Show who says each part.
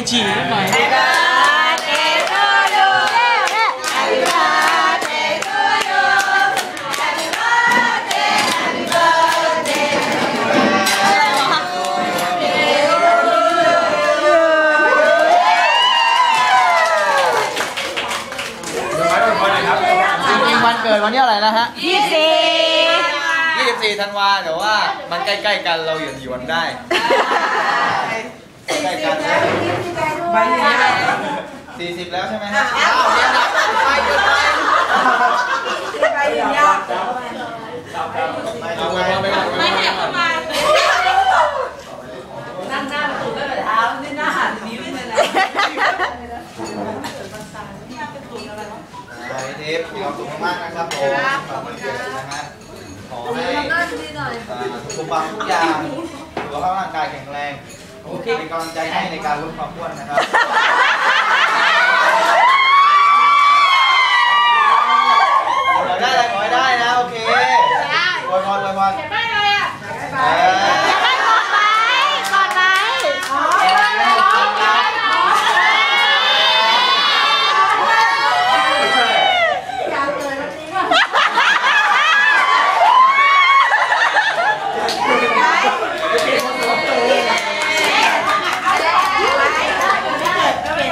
Speaker 1: ฉี่นิดหน่อยวันเกิดวันนี้อะไรนะฮะ24 ธันวาแต่ว่ามันใกล้ๆกันเราหยวนได้ใกล้กัน40แล้วใช่ไหมฮะอ้าวเรียนนะไปเกินไปยากไม่แหกเข้ามานั่งหน้าประตูก็แบบเท้านี่หน้าหันนิ้วเลยนะเทปมีความสุขมากนะครับผมขอบคุณนะฮะขอให้สุขภาพทุกอย่างสุขภาพร่างกายแข็งแรงเป็นกำลังใจให้ในการลดความอ้วนนะครับได้อะไรขอให้ได้นะโอเคอวยพรเห็นไหมอะไรอ่ะ